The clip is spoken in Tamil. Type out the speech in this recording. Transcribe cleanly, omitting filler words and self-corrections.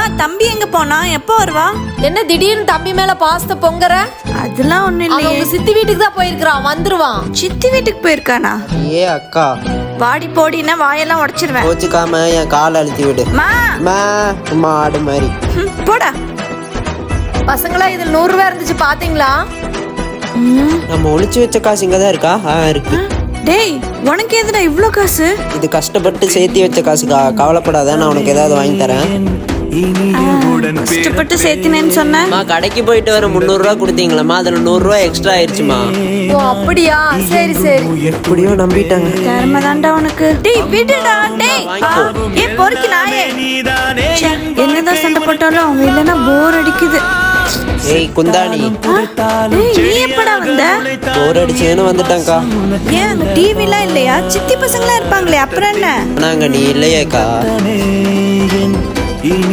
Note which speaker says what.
Speaker 1: தம்பி எங்க போனா? எப்போ வருவா?
Speaker 2: என்ன திடீர்னு தம்பி மேல பாசத்தை பொங்குற?
Speaker 1: அதெல்லாம் ஒண்ணு
Speaker 2: அவன்
Speaker 1: இல்லையே.
Speaker 2: உங்க சித்தி வீட்டுக்கு தான் போயிருக்கான், வந்துருவான்.
Speaker 1: சித்தி வீட்டுக்கு போயிருக்கானா?
Speaker 3: ஏ அக்கா,
Speaker 1: வாடி போடினா வாயெல்லாம் உடைச்சிருவேன்.
Speaker 3: கோச்சுக்காம என் காலை அழுத்தி விடு.
Speaker 1: மா
Speaker 3: சும்மா ஆடு மாதிரி.
Speaker 1: போடா.
Speaker 2: பசங்களா இதுல 100 ரூபாய் இருந்துச்சு பாத்தீங்களா?
Speaker 3: நம்ம ஒளிச்சு வச்ச காசு இங்கதான் இருக்கா? இருக்கு.
Speaker 1: டேய், உனக்கு எதுடா இவ்ளோ காசு?
Speaker 3: இது கஷ்டப்பட்டு சேர்த்து வச்ச காசுக்கா, கவலைப்படாத, நான் உனக்கு ஏதாவது வாங்கி தரேன்.
Speaker 1: கஷ்டப்பட்டு சேர்த்தினேன்னு சொன்ன.
Speaker 3: கடைக்கு போயிட்டு வர 300 ரூபா கொடுத்தீங்களா, அதுல 100 ரூபா எக்ஸ்ட்ரா ஆயிடுச்சுமா.
Speaker 2: ஓ அப்படியா, சரி சரி.
Speaker 3: எப்படியோ நம்பிட்டாங்க.
Speaker 1: கர்ம தாண்டா உனக்கு. டேய் விடுடா. டேய் ஏ பொறுக்கி நாயே. என்னதான் சண்டை போட்டாலும் அவங்க இல்லைன்னா போர் அடிக்குது.
Speaker 3: ஏய் குந்தாணி,
Speaker 1: டேய் நீ எப்படா வந்த?
Speaker 3: போர் அடிச்சேன்னு வந்துட்டேன்க்கா.
Speaker 1: ஏன் அங்க டிவிலாம் இல்லையா? சித்தி பசங்களா இருப்பாங்களே, அப்புறம் என்ன?
Speaker 3: நாங்க நீ இல்லையேக்கா.